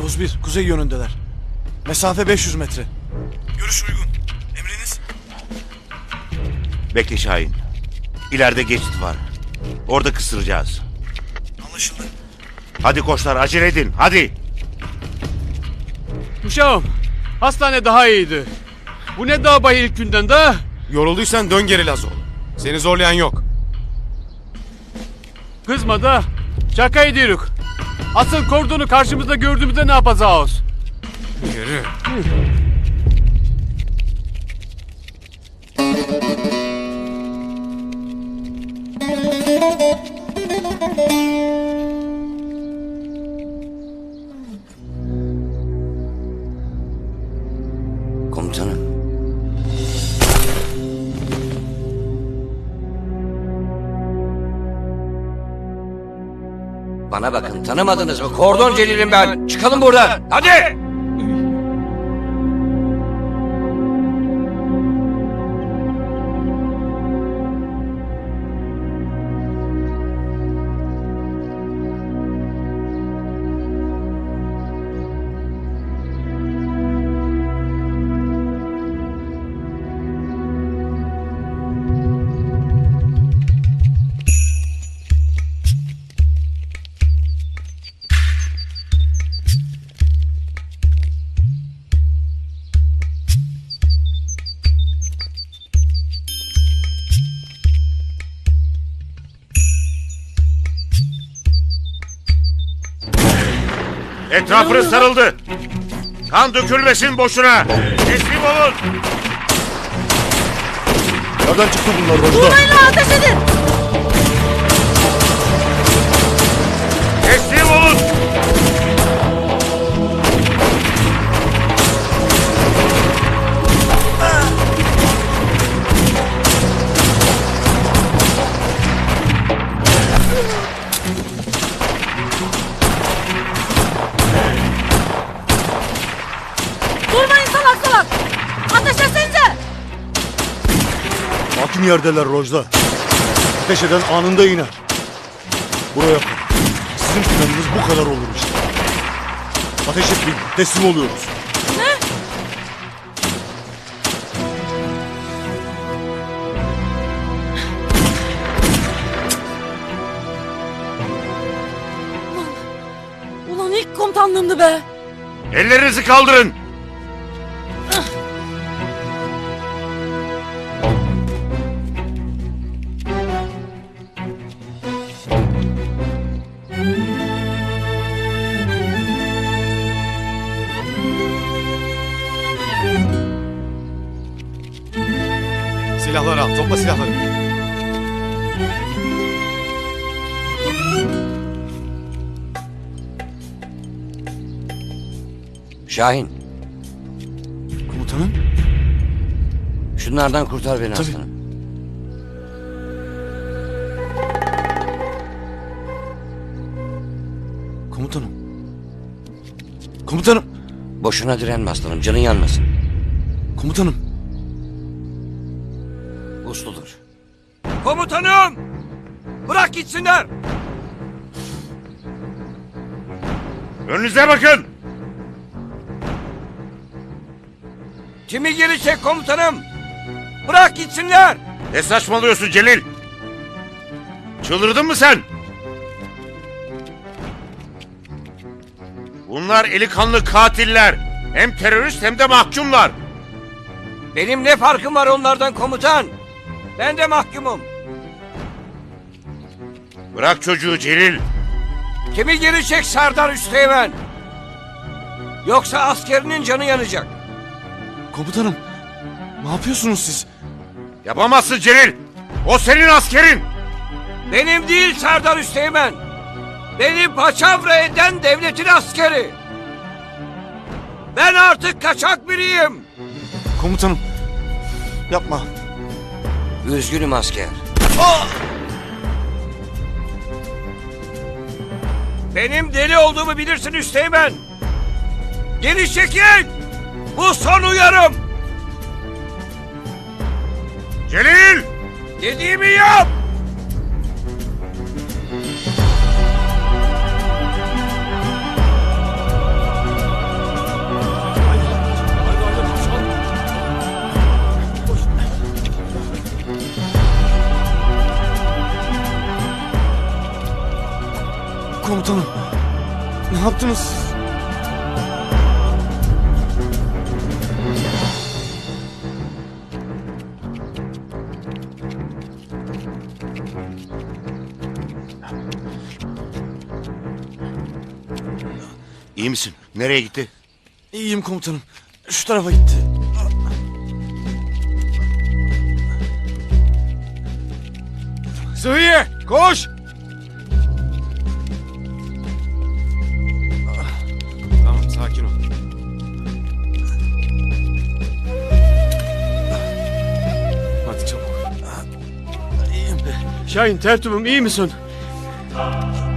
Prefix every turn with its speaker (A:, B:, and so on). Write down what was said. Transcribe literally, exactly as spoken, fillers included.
A: Yavuz bir, kuzey yönündeler. Mesafe beş yüz metre. Görüş uygun. Emriniz?
B: Bekle Şahin. İleride geçit var. Orada kısıracağız.
A: Anlaşıldı.
B: Hadi koçlar, acele edin, hadi.
C: Uşağım, hastane daha iyiydi. Bu ne dağ bayı ilk günden de?
D: Yorulduysan dön geri Lazo. Seni zorlayan yok.
C: Kızma da, şaka ediyoruz. Asıl kordonu karşımızda gördüğümüzde ne yapacağız?
D: Yürü.
E: Komutanım. Bana bakın, tanımadınız mı? Kordon Celil'im ben. Çıkalım buradan. Hadi!
B: Etrafınız sarıldı. Kan dökülmesin boşuna. Teslim olun.
A: Nereden çıktı bunlar Rojda?
F: Vurmayın lan, ateş edin!
B: Teslim olun.
F: Durmayın salak salak! Ateş etsenize!
A: Hakim yerdeler Rojda. Ateş eden anında iner. Buraya bak. Sizin planınız bu kadar olur işte. Ateş etmeyin. Teslim oluyoruz.
F: Ne? Ulan, ulan ilk komutanlığımdı be!
B: Ellerinizi kaldırın.
D: Silahları al. Topla silahları.
E: Şahin,
A: Komutanım?
E: şunlardan kurtar beni
A: Tabii.
E: aslanım.
A: Komutanım. Komutanım.
E: Boşuna direnme aslanım, canın yanmasın.
A: Komutanım.
E: Usludur. Komutanım! Bırak gitsinler!
B: Önünüze bakın.
E: Kimi gelecek komutanım? Bırak gitsinler!
B: Ne saçmalıyorsun Celil? Çıldırdın mı sen? Bunlar eli kanlı katiller. Hem terörist hem de mahkumlar.
E: Benim ne farkım var onlardan komutan? Ben de mahkumum.
B: Bırak çocuğu Celil.
E: Kimi gelecek Serdar Üsteğmen? Yoksa askerinin canı yanacak.
A: Komutanım. Ne yapıyorsunuz siz?
B: Yapamazsın Celil. O senin askerin.
E: Benim değil Serdar Üsteğmen. Beni paçavra eden devletin askeri. Ben artık kaçak biriyim.
A: Komutanım. Yapma.
E: Üzgünüm asker. Benim deli olduğumu bilirsin Üsteğmen. Geri çekil. Bu son uyarım.
B: Celil!
E: Dediğimi yap.
D: Komutanım. Ne yaptınız siz?
B: İyi misin? Nereye gitti?
D: İyiyim komutanım. Şu tarafa gitti. Sıhhiye koş! Tamam sakin ol. Hadi çabuk.
C: Şahin tertibim iyi misin?